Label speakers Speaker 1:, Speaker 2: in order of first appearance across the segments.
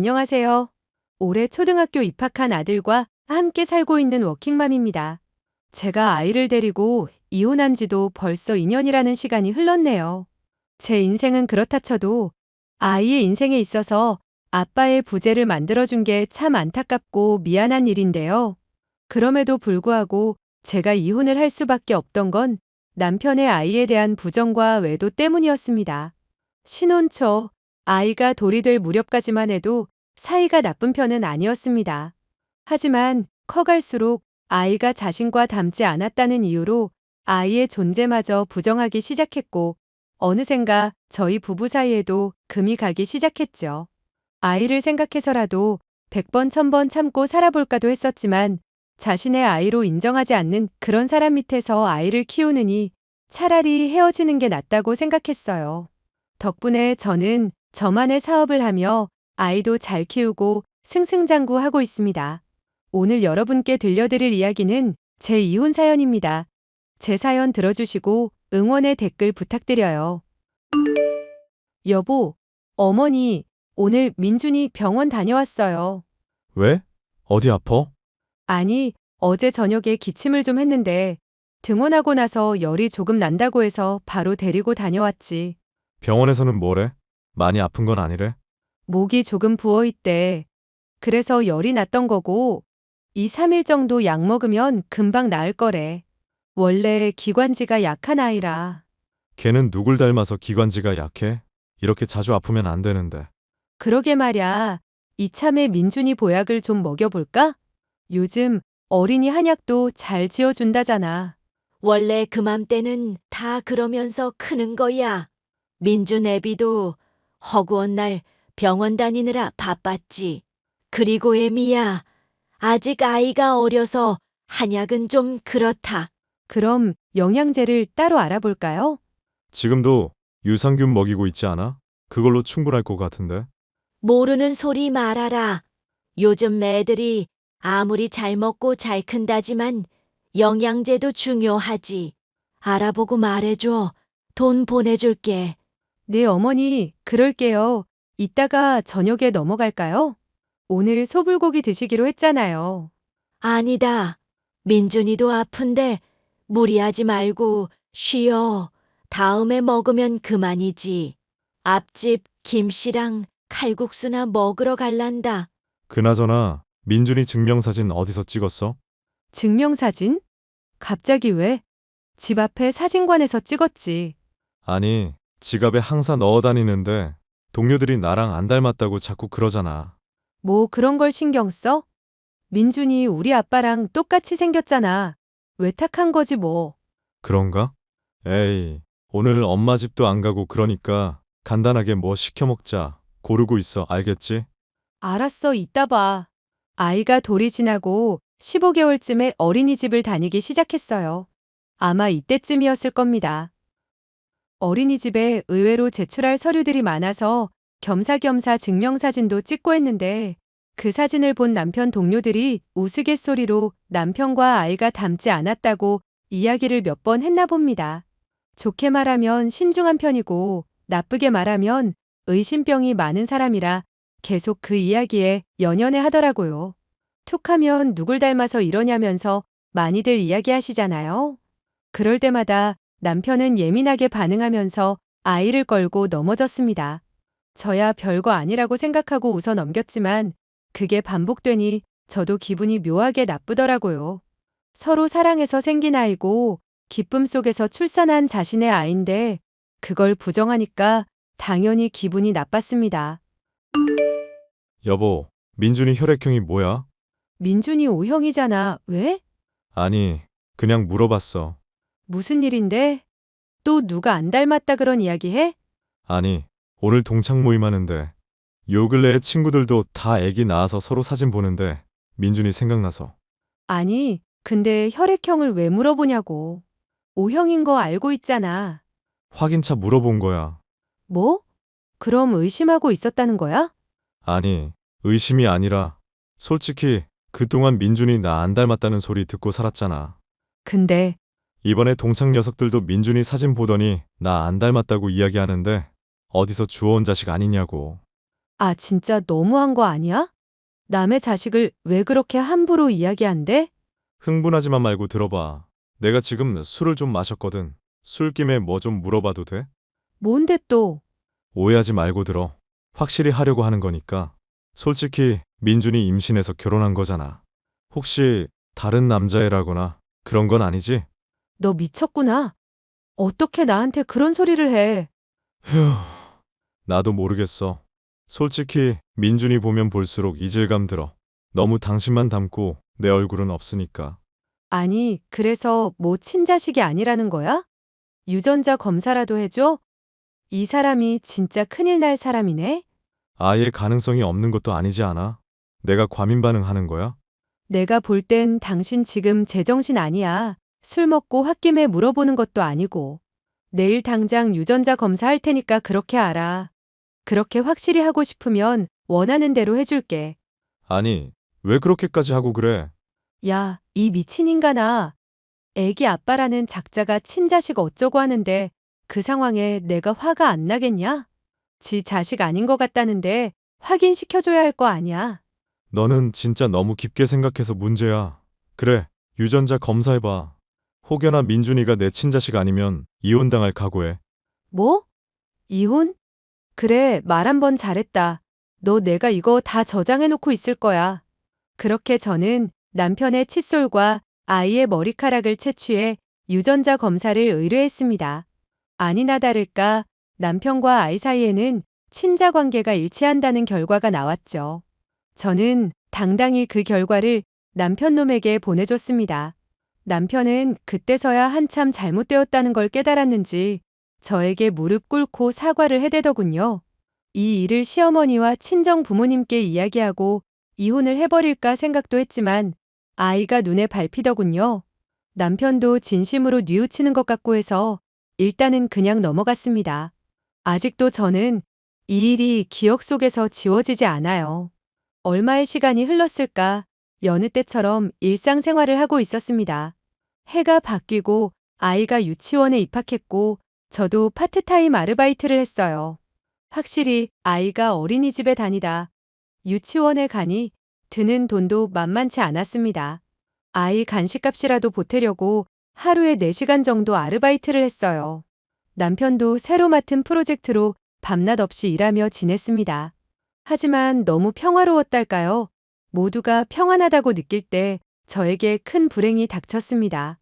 Speaker 1: 안녕하세요. 올해 초등학교 입학한 아들과 함께 살고 있는 워킹맘입니다. 제가 아이를 데리고 이혼한 지도 벌써 2년이라는 시간이 흘렀네요. 제 인생은 그렇다 쳐도 아이의 인생에 있어서 아빠의 부재를 만들어준 게 참 안타깝고 미안한 일인데요. 그럼에도 불구하고 제가 이혼을 할 수밖에 없던 건 남편의 아이에 대한 부정과 외도 때문이었습니다. 신혼 초 아이가 돌이 될 무렵까지만 해도 사이가 나쁜 편은 아니었습니다. 하지만 커갈수록 아이가 자신과 닮지 않았다는 이유로 아이의 존재마저 부정하기 시작했고, 어느샌가 저희 부부 사이에도 금이 가기 시작했죠. 아이를 생각해서라도 100번 1000번 참고 살아볼까도 했었지만 자신의 아이로 인정하지 않는 그런 사람 밑에서 아이를 키우느니 차라리 헤어지는 게 낫다고 생각했어요. 덕분에 저는 저만의 사업을 하며 아이도 잘 키우고 승승장구하고 있습니다. 오늘 여러분께 들려드릴 이야기는 제 이혼 사연입니다. 제 사연 들어주시고 응원의 댓글 부탁드려요. 여보, 어머니, 오늘 민준이 병원 다녀왔어요.
Speaker 2: 왜? 어디 아파?
Speaker 1: 아니, 어제 저녁에 기침을 좀 했는데 등원하고 나서 열이 조금 난다고 해서 바로 데리고 다녀왔지.
Speaker 2: 병원에서는 뭐래? 많이 아픈 건 아니래?
Speaker 1: 목이 조금 부어있대. 그래서 열이 났던 거고 2, 3일 정도 약 먹으면 금방 나을 거래. 원래 기관지가 약한 아이라.
Speaker 2: 걔는 누굴 닮아서 기관지가 약해? 이렇게 자주 아프면 안 되는데.
Speaker 1: 그러게 말야. 이참에 민준이 보약을 좀 먹여볼까? 요즘 어린이 한약도 잘 지어준다잖아.
Speaker 3: 원래 그맘때는 다 그러면서 크는 거야. 민준 애비도 허구한 날 병원 다니느라 바빴지. 그리고 애미야, 아직 아이가 어려서 한약은 좀 그렇다.
Speaker 1: 그럼 영양제를 따로 알아볼까요?
Speaker 2: 지금도 유산균 먹이고 있지 않아? 그걸로 충분할 것 같은데.
Speaker 3: 모르는 소리 말아라. 요즘 애들이 아무리 잘 먹고 잘 큰다지만 영양제도 중요하지. 알아보고 말해줘. 돈 보내줄게.
Speaker 1: 네, 어머니, 그럴게요. 이따가 저녁에 넘어갈까요? 오늘 소불고기 드시기로 했잖아요.
Speaker 3: 아니다. 민준이도 아픈데 무리하지 말고 쉬어. 다음에 먹으면 그만이지. 앞집 김씨랑 칼국수나 먹으러 갈란다.
Speaker 2: 그나저나 민준이 증명사진 어디서 찍었어?
Speaker 1: 증명사진? 갑자기 왜? 집 앞에 사진관에서 찍었지.
Speaker 2: 아니, 지갑에 항상 넣어 다니는데 동료들이 나랑 안 닮았다고 자꾸 그러잖아.
Speaker 1: 뭐 그런 걸 신경 써? 민준이 우리 아빠랑 똑같이 생겼잖아. 외탁한 거지 뭐.
Speaker 2: 그런가? 에이, 오늘 엄마 집도 안 가고 그러니까 간단하게 뭐 시켜 먹자. 고르고 있어, 알겠지?
Speaker 1: 알았어, 이따 봐. 아이가 돌이 지나고 15개월쯤에 어린이집을 다니기 시작했어요. 아마 이때쯤이었을 겁니다. 어린이집에 의외로 제출할 서류들이 많아서 겸사겸사 증명사진도 찍고 했는데 그 사진을 본 남편 동료들이 우스갯소리로 남편과 아이가 닮지 않았다고 이야기를 몇 번 했나 봅니다. 좋게 말하면 신중한 편이고 나쁘게 말하면 의심병이 많은 사람이라 계속 그 이야기에 연연해 하더라고요. 툭하면 누굴 닮아서 이러냐면서 많이들 이야기하시잖아요. 그럴 때마다 남편은 예민하게 반응하면서 아이를 걸고 넘어졌습니다. 저야 별거 아니라고 생각하고 웃어 넘겼지만 그게 반복되니 저도 기분이 묘하게 나쁘더라고요. 서로 사랑해서 생긴 아이고 기쁨 속에서 출산한 자신의 아이인데 그걸 부정하니까 당연히 기분이 나빴습니다.
Speaker 2: 여보, 민준이 혈액형이 뭐야?
Speaker 1: 민준이 O형이잖아. 왜?
Speaker 2: 아니, 그냥 물어봤어.
Speaker 1: 무슨 일인데? 또 누가 안 닮았다 그런 이야기 해?
Speaker 2: 아니, 오늘 동창 모임 하는데 요 근래에 친구들도 다 애기 낳아서 서로 사진 보는데 민준이 생각나서.
Speaker 1: 아니, 근데 혈액형을 왜 물어보냐고. O형인 거 알고 있잖아.
Speaker 2: 확인차 물어본 거야.
Speaker 1: 뭐? 그럼 의심하고 있었다는 거야?
Speaker 2: 아니, 의심이 아니라 솔직히 그동안 민준이 나 안 닮았다는 소리 듣고 살았잖아.
Speaker 1: 근데
Speaker 2: 이번에 동창 녀석들도 민준이 사진 보더니 나 안 닮았다고 이야기하는데 어디서 주워온 자식 아니냐고.
Speaker 1: 아, 진짜 너무한 거 아니야? 남의 자식을 왜 그렇게 함부로 이야기한대?
Speaker 2: 흥분하지만 말고 들어봐. 내가 지금 술을 좀 마셨거든. 술김에 뭐 좀 물어봐도 돼?
Speaker 1: 뭔데 또?
Speaker 2: 오해하지 말고 들어. 확실히 하려고 하는 거니까. 솔직히 민준이 임신해서 결혼한 거잖아. 혹시 다른 남자애라거나 그런 건 아니지?
Speaker 1: 너 미쳤구나. 어떻게 나한테 그런 소리를 해?
Speaker 2: 휴, 나도 모르겠어. 솔직히 민준이 보면 볼수록 이질감 들어. 너무 당신만 닮고 내 얼굴은 없으니까.
Speaker 1: 아니, 그래서 뭐 친자식이 아니라는 거야? 유전자 검사라도 해줘? 이 사람이 진짜 큰일 날 사람이네?
Speaker 2: 아예 가능성이 없는 것도 아니지 않아? 내가 과민 반응하는 거야?
Speaker 1: 내가 볼 땐 당신 지금 제정신 아니야. 술 먹고 홧김에 물어보는 것도 아니고. 내일 당장 유전자 검사할 테니까 그렇게 알아. 그렇게 확실히 하고 싶으면 원하는 대로 해줄게.
Speaker 2: 아니, 왜 그렇게까지 하고 그래?
Speaker 1: 야, 이 미친 인간아. 애기 아빠라는 작자가 친자식 어쩌고 하는데 그 상황에 내가 화가 안 나겠냐? 지 자식 아닌 것 같다는데 확인시켜줘야 할 거 아니야.
Speaker 2: 너는 진짜 너무 깊게 생각해서 문제야. 그래, 유전자 검사해봐. 혹여나 민준이가 내 친자식 아니면 이혼당할 각오해.
Speaker 1: 뭐? 이혼? 그래, 말 한 번 잘했다. 너 내가 이거 다 저장해놓고 있을 거야. 그렇게 저는 남편의 칫솔과 아이의 머리카락을 채취해 유전자 검사를 의뢰했습니다. 아니나 다를까 남편과 아이 사이에는 친자 관계가 일치한다는 결과가 나왔죠. 저는 당당히 그 결과를 남편 놈에게 보내줬습니다. 남편은 그때서야 한참 잘못되었다는 걸 깨달았는지 저에게 무릎 꿇고 사과를 해대더군요. 이 일을 시어머니와 친정 부모님께 이야기하고 이혼을 해버릴까 생각도 했지만 아이가 눈에 밟히더군요. 남편도 진심으로 뉘우치는 것 같고 해서 일단은 그냥 넘어갔습니다. 아직도 저는 이 일이 기억 속에서 지워지지 않아요. 얼마의 시간이 흘렀을까 여느 때처럼 일상생활을 하고 있었습니다. 해가 바뀌고 아이가 유치원에 입학했고 저도 파트타임 아르바이트를 했어요. 확실히 아이가 어린이집에 다니다 유치원에 가니 드는 돈도 만만치 않았습니다. 아이 간식값이라도 보태려고 하루에 4시간 정도 아르바이트를 했어요. 남편도 새로 맡은 프로젝트로 밤낮 없이 일하며 지냈습니다. 하지만 너무 평화로웠달까요? 모두가 평안하다고 느낄 때 저에게 큰 불행이 닥쳤습니다.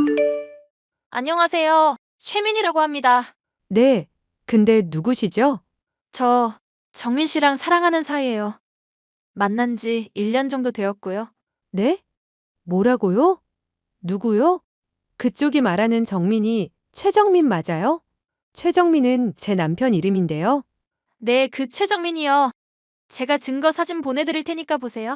Speaker 4: 안녕하세요. 최민이라고 합니다.
Speaker 1: 네, 근데 누구시죠?
Speaker 4: 저 정민 씨랑 사랑하는 사이예요. 만난 지 1년 정도 되었고요.
Speaker 1: 네? 뭐라고요? 누구요? 그쪽이 말하는 정민이 최정민 맞아요? 최정민은 제 남편 이름인데요.
Speaker 4: 네, 그 최정민이요. 제가 증거 사진 보내드릴 테니까 보세요.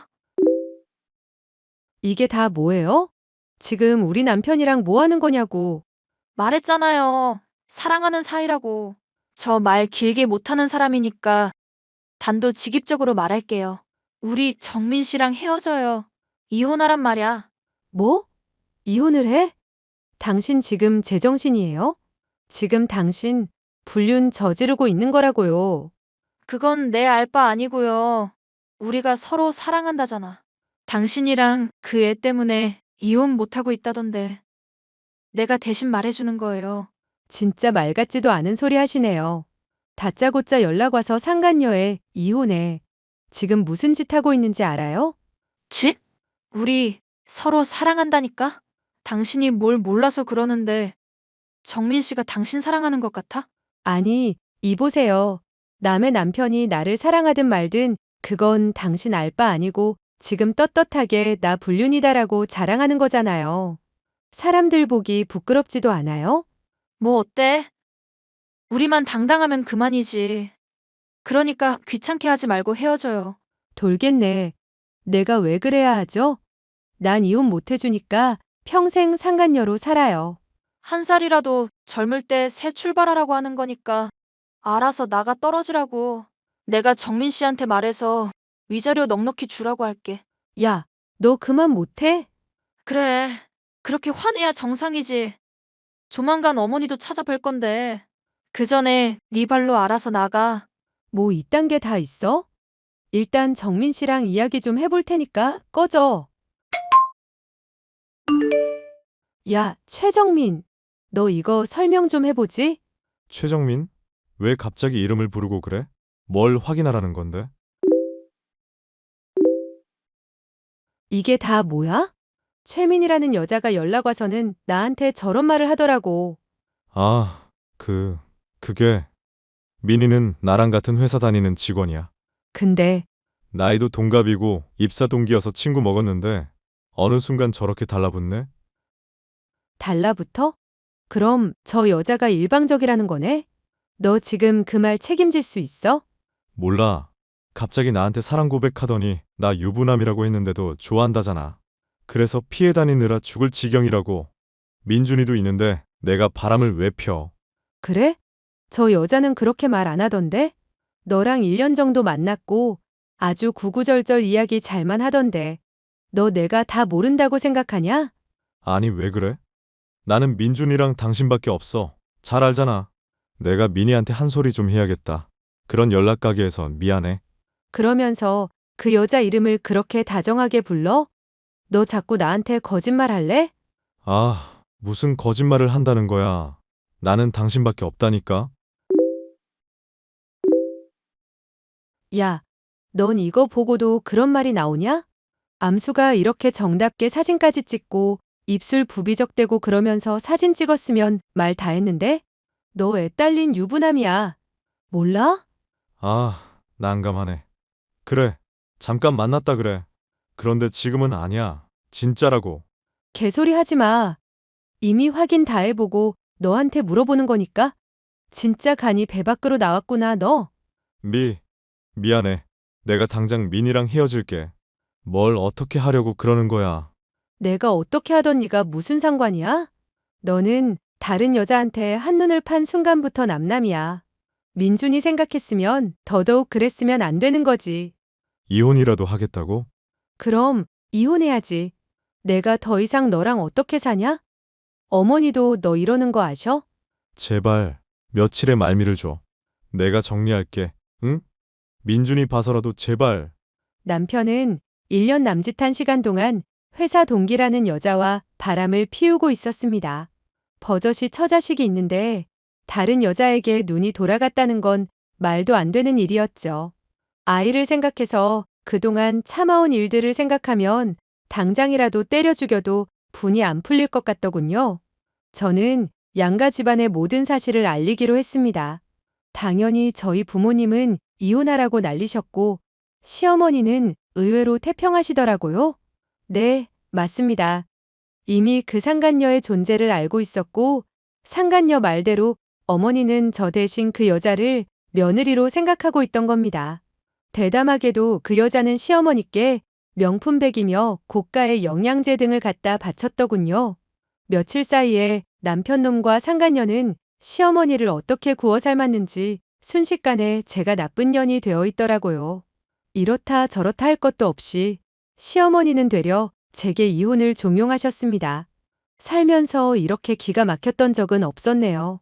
Speaker 1: 이게 다 뭐예요? 지금 우리 남편이랑 뭐 하는 거냐고.
Speaker 4: 말했잖아요. 사랑하는 사이라고. 저 말 길게 못하는 사람이니까 단도직입적으로 말할게요. 우리 정민 씨랑 헤어져요. 이혼하란 말이야.
Speaker 1: 뭐? 이혼을 해? 당신 지금 제정신이에요? 지금 당신 불륜 저지르고 있는 거라고요.
Speaker 4: 그건 내 알 바 아니고요. 우리가 서로 사랑한다잖아. 당신이랑 그 애 때문에 이혼 못하고 있다던데. 내가 대신 말해주는 거예요.
Speaker 1: 진짜 말 같지도 않은 소리 하시네요. 다짜고짜 연락 와서 상간녀에 이혼해. 지금 무슨 짓 하고 있는지 알아요?
Speaker 4: 지? 우리 서로 사랑한다니까? 당신이 뭘 몰라서 그러는데 정민 씨가 당신 사랑하는 것 같아?
Speaker 1: 아니, 이보세요. 남의 남편이 나를 사랑하든 말든 그건 당신 알 바 아니고 지금 떳떳하게 나 불륜이다라고 자랑하는 거잖아요. 사람들 보기 부끄럽지도 않아요?
Speaker 4: 뭐 어때? 우리만 당당하면 그만이지. 그러니까 귀찮게 하지 말고 헤어져요.
Speaker 1: 돌겠네. 내가 왜 그래야 하죠? 난 이혼 못 해주니까 평생 상간녀로 살아요.
Speaker 4: 한 살이라도 젊을 때 새 출발하라고 하는 거니까 알아서 나가 떨어지라고. 내가 정민 씨한테 말해서 위자료 넉넉히 주라고 할게.
Speaker 1: 야, 너 그만 못해?
Speaker 4: 그래. 그렇게 화내야 정상이지. 조만간 어머니도 찾아뵐 건데. 그 전에 네 발로 알아서 나가.
Speaker 1: 뭐 이딴 게 다 있어? 일단 정민 씨랑 이야기 좀 해볼 테니까 꺼져. 야, 최정민. 너 이거 설명 좀 해보지?
Speaker 2: 최정민? 왜 갑자기 이름을 부르고 그래? 뭘 확인하라는 건데?
Speaker 1: 이게 다 뭐야? 최민이라는 여자가 연락 와서는 나한테 저런 말을 하더라고.
Speaker 2: 아, 그게 민희는 나랑 같은 회사 다니는 직원이야.
Speaker 1: 근데
Speaker 2: 나이도 동갑이고 입사 동기여서 친구 먹었는데 어느 순간 저렇게 달라붙네?
Speaker 1: 달라붙어? 그럼 저 여자가 일방적이라는 거네? 너 지금 그 말 책임질 수 있어?
Speaker 2: 몰라. 갑자기 나한테 사랑 고백하더니 나 유부남이라고 했는데도 좋아한다잖아. 그래서 피해 다니느라 죽을 지경이라고. 민준이도 있는데 내가 바람을 왜 펴?
Speaker 1: 그래? 저 여자는 그렇게 말 안 하던데? 너랑 1년 정도 만났고 아주 구구절절 이야기 잘만 하던데. 너 내가 다 모른다고 생각하냐?
Speaker 2: 아니 왜 그래? 나는 민준이랑 당신밖에 없어. 잘 알잖아. 내가 민희한테 한 소리 좀 해야겠다. 그런 연락 가게에서 미안해.
Speaker 1: 그러면서 그 여자 이름을 그렇게 다정하게 불러? 너 자꾸 나한테 거짓말 할래?
Speaker 2: 아, 무슨 거짓말을 한다는 거야. 나는 당신밖에 없다니까.
Speaker 1: 야, 넌 이거 보고도 그런 말이 나오냐? 암수가 이렇게 정답게 사진까지 찍고 입술 부비적대고 그러면서 사진 찍었으면 말 다 했는데? 너 애 딸린 유부남이야. 몰라?
Speaker 2: 아, 난감하네. 그래, 잠깐 만났다 그래. 그런데 지금은 아니야. 진짜라고.
Speaker 1: 개소리 하지 마. 이미 확인 다 해보고 너한테 물어보는 거니까? 진짜 간이 배 밖으로 나왔구나, 너.
Speaker 2: 미안해. 내가 당장 민이랑 헤어질게. 뭘 어떻게 하려고 그러는 거야.
Speaker 1: 내가 어떻게 하던 네가 무슨 상관이야? 너는 다른 여자한테 한눈을 판 순간부터 남남이야. 민준이 생각했으면 더더욱 그랬으면 안 되는 거지.
Speaker 2: 이혼이라도 하겠다고?
Speaker 1: 그럼 이혼해야지. 내가 더 이상 너랑 어떻게 사냐? 어머니도 너 이러는 거 아셔?
Speaker 2: 제발, 며칠의 말미를 줘. 내가 정리할게. 응? 민준이 봐서라도 제발.
Speaker 1: 남편은 1년 남짓한 시간 동안 회사 동기라는 여자와 바람을 피우고 있었습니다. 버젓이 처자식이 있는데 다른 여자에게 눈이 돌아갔다는 건 말도 안 되는 일이었죠. 아이를 생각해서 그동안 참아온 일들을 생각하면 당장이라도 때려 죽여도 분이 안 풀릴 것 같더군요. 저는 양가 집안의 모든 사실을 알리기로 했습니다. 당연히 저희 부모님은 이혼하라고 난리셨고 시어머니는 의외로 태평하시더라고요. 네, 맞습니다. 이미 그 상간녀의 존재를 알고 있었고 상간녀 말대로 어머니는 저 대신 그 여자를 며느리로 생각하고 있던 겁니다. 대담하게도 그 여자는 시어머니께 명품백이며 고가의 영양제 등을 갖다 바쳤더군요. 며칠 사이에 남편놈과 상간녀는 시어머니를 어떻게 구워 삶았는지 순식간에 제가 나쁜 년이 되어 있더라고요. 이렇다 저렇다 할 것도 없이 시어머니는 되려 제게 이혼을 종용하셨습니다. 살면서 이렇게 기가 막혔던 적은 없었네요.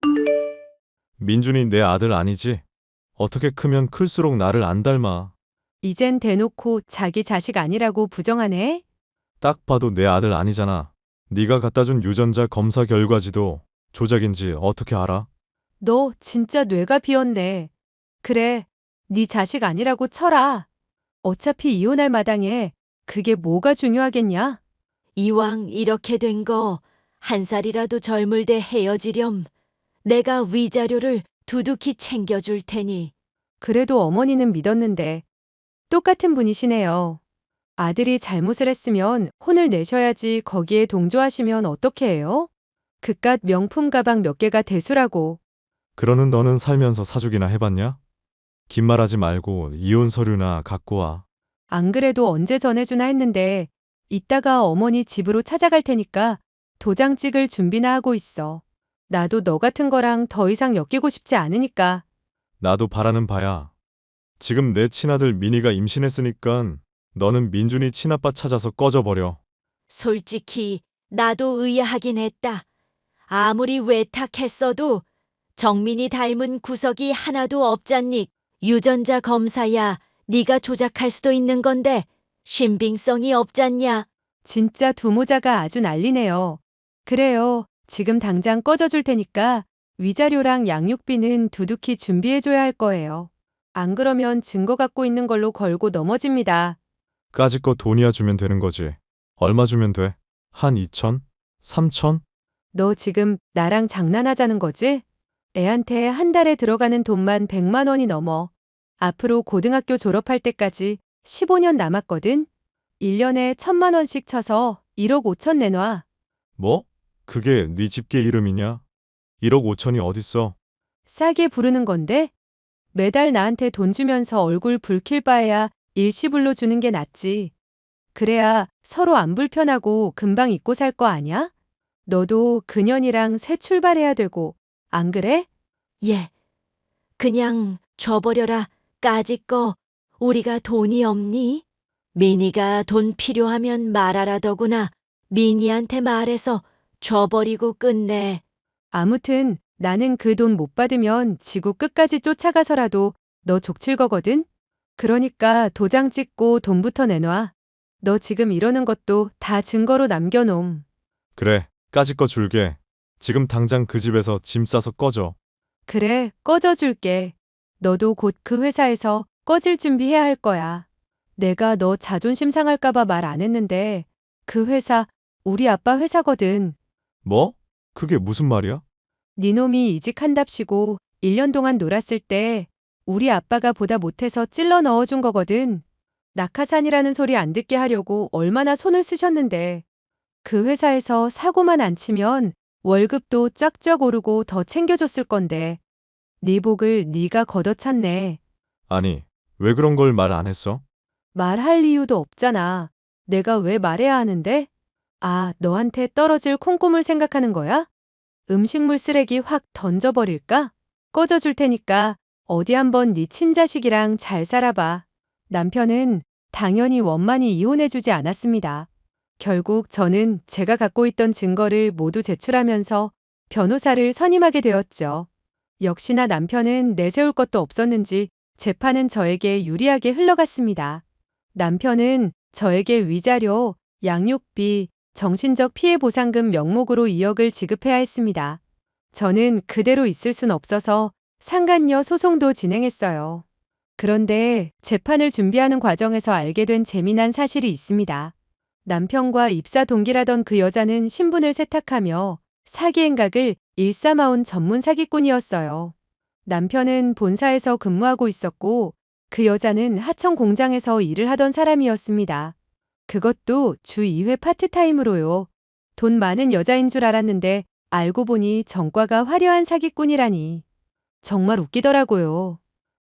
Speaker 2: 민준이 내 아들 아니지? 어떻게 크면 클수록 나를 안 닮아.
Speaker 1: 이젠 대놓고 자기 자식 아니라고 부정하네?
Speaker 2: 딱 봐도 내 아들 아니잖아. 네가 갖다 준 유전자 검사 결과지도 조작인지 어떻게 알아?
Speaker 1: 너 진짜 뇌가 비었네. 그래, 네 자식 아니라고 쳐라. 어차피 이혼할 마당에 그게 뭐가 중요하겠냐?
Speaker 3: 이왕 이렇게 된 거 한 살이라도 젊을 때 헤어지렴. 내가 위자료를 두둑히 챙겨줄 테니.
Speaker 1: 그래도 어머니는 믿었는데 똑같은 분이시네요. 아들이 잘못을 했으면 혼을 내셔야지 거기에 동조하시면 어떻게 해요? 그깟 명품 가방 몇 개가 대수라고.
Speaker 2: 그러는 너는 살면서 사주기나 해봤냐? 긴 말하지 말고 이혼 서류나 갖고 와.
Speaker 1: 안 그래도 언제 전해주나 했는데 이따가 어머니 집으로 찾아갈 테니까 도장 찍을 준비나 하고 있어. 나도 너 같은 거랑 더 이상 엮이고 싶지 않으니까.
Speaker 2: 나도 바라는 바야. 지금 내 친아들 민희가 임신했으니까 너는 민준이 친아빠 찾아서 꺼져버려.
Speaker 3: 솔직히 나도 의아하긴 했다. 아무리 외탁했어도 정민이 닮은 구석이 하나도 없잖니. 유전자 검사야. 네가 조작할 수도 있는 건데 신빙성이 없잖냐.
Speaker 1: 진짜 두 모자가 아주 난리네요. 그래요. 지금 당장 꺼져줄 테니까 위자료랑 양육비는 두둑히 준비해줘야 할 거예요. 안 그러면 증거 갖고 있는 걸로 걸고 넘어집니다.
Speaker 2: 까짓 거 돈이야 주면 되는 거지. 얼마 주면 돼? 한 2천? 3천?
Speaker 1: 너 지금 나랑 장난하자는 거지? 애한테 한 달에 들어가는 돈만 100만 원이 넘어. 앞으로 고등학교 졸업할 때까지 15년 남았거든? 1년에 1,000만 원씩 쳐서 1억 5천 내놔.
Speaker 2: 뭐? 그게 네 집게 이름이냐? 1억 5천이 어딨어?
Speaker 1: 싸게 부르는 건데? 매달 나한테 돈 주면서 얼굴 붉힐 바에야 일시불로 주는 게 낫지. 그래야 서로 안 불편하고 금방 잊고 살 거 아냐? 너도 그년이랑 새 출발해야 되고, 안 그래?
Speaker 3: 예. 그냥 줘버려라. 까짓 거. 우리가 돈이 없니? 미니가 돈 필요하면 말하라더구나. 미니한테 말해서 줘버리고 끝내.
Speaker 1: 아무튼 나는 그 돈 못 받으면 지구 끝까지 쫓아가서라도 너 족칠 거거든? 그러니까 도장 찍고 돈부터 내놔. 너 지금 이러는 것도 다 증거로 남겨놓음.
Speaker 2: 그래, 까짓 거 줄게. 지금 당장 그 집에서 짐 싸서 꺼져.
Speaker 1: 그래, 꺼져줄게. 너도 곧 그 회사에서 꺼질 준비해야 할 거야. 내가 너 자존심 상할까봐 말 안 했는데 그 회사 우리 아빠 회사거든.
Speaker 2: 뭐? 그게 무슨 말이야?
Speaker 1: 네 놈이 이직한답시고 1년 동안 놀았을 때 우리 아빠가 보다 못해서 찔러 넣어준 거거든. 낙하산이라는 소리 안 듣게 하려고 얼마나 손을 쓰셨는데 그 회사에서 사고만 안 치면 월급도 쫙쫙 오르고 더 챙겨줬을 건데 네 복을 네가 걷어찼네.
Speaker 2: 아니, 왜 그런 걸 말 안 했어?
Speaker 1: 말할 이유도 없잖아. 내가 왜 말해야 하는데? 아, 너한테 떨어질 콩고물 생각하는 거야? 음식물 쓰레기 확 던져버릴까? 꺼져줄 테니까 어디 한번 네 친자식이랑 잘 살아봐. 남편은 당연히 원만히 이혼해주지 않았습니다. 결국 저는 제가 갖고 있던 증거를 모두 제출하면서 변호사를 선임하게 되었죠. 역시나 남편은 내세울 것도 없었는지 재판은 저에게 유리하게 흘러갔습니다. 남편은 저에게 위자료, 양육비, 정신적 피해 보상금 명목으로 2억을 지급해야 했습니다. 저는 그대로 있을 순 없어서 상간녀 소송도 진행했어요. 그런데 재판을 준비하는 과정에서 알게 된 재미난 사실이 있습니다. 남편과 입사 동기라던 그 여자는 신분을 세탁하며 사기 행각을 일삼아온 전문 사기꾼이었어요. 남편은 본사에서 근무하고 있었고 그 여자는 하청 공장에서 일을 하던 사람이었습니다. 그것도 주 2회 파트타임으로요. 돈 많은 여자인 줄 알았는데 알고 보니 전과가 화려한 사기꾼이라니. 정말 웃기더라고요.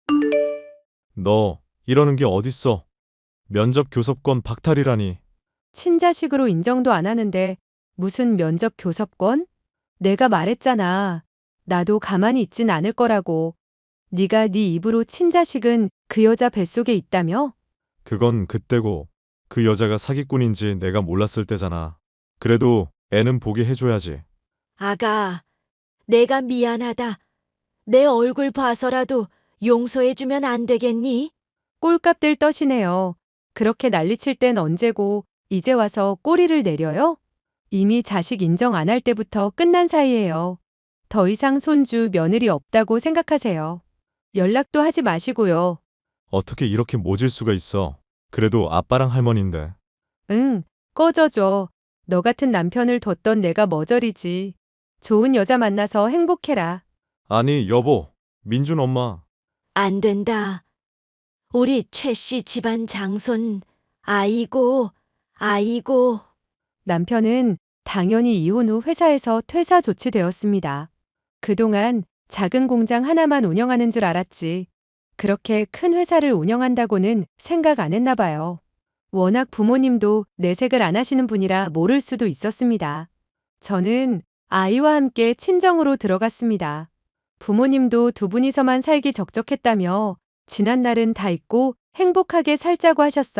Speaker 2: 너, 이러는 게 어딨어? 면접 교섭권 박탈이라니.
Speaker 1: 친자식으로 인정도 안 하는데 무슨 면접 교섭권? 내가 말했잖아. 나도 가만히 있진 않을 거라고. 네가 네 입으로 친자식은 그 여자 뱃속에 있다며?
Speaker 2: 그건 그때고, 그 여자가 사기꾼인지 내가 몰랐을 때잖아. 그래도 애는 보게 해줘야지.
Speaker 3: 아가, 내가 미안하다. 내 얼굴 봐서라도 용서해주면 안 되겠니?
Speaker 1: 꼴값들 떠시네요. 그렇게 난리칠 땐 언제고 이제 와서 꼬리를 내려요? 이미 자식 인정 안 할 때부터 끝난 사이예요. 더 이상 손주, 며느리 없다고 생각하세요. 연락도 하지 마시고요.
Speaker 2: 어떻게 이렇게 모질 수가 있어? 그래도 아빠랑 할머니인데.
Speaker 1: 응, 꺼져줘. 너 같은 남편을 뒀던 내가 머저리지. 좋은 여자 만나서 행복해라.
Speaker 2: 아니, 여보, 민준 엄마.
Speaker 3: 안 된다. 우리 최 씨 집안 장손. 아이고, 아이고.
Speaker 1: 남편은 당연히 이혼 후 회사에서 퇴사 조치되었습니다. 그동안 작은 공장 하나만 운영하는 줄 알았지. 그렇게 큰 회사를 운영한다고는 생각 안 했나 봐요. 워낙 부모님도 내색을 안 하시는 분이라 모를 수도 있었습니다. 저는 아이와 함께 친정으로 들어갔습니다. 부모님도 두 분이서만 살기 적적했다며 지난 날은 다 잊고 행복하게 살자고 하셨어요.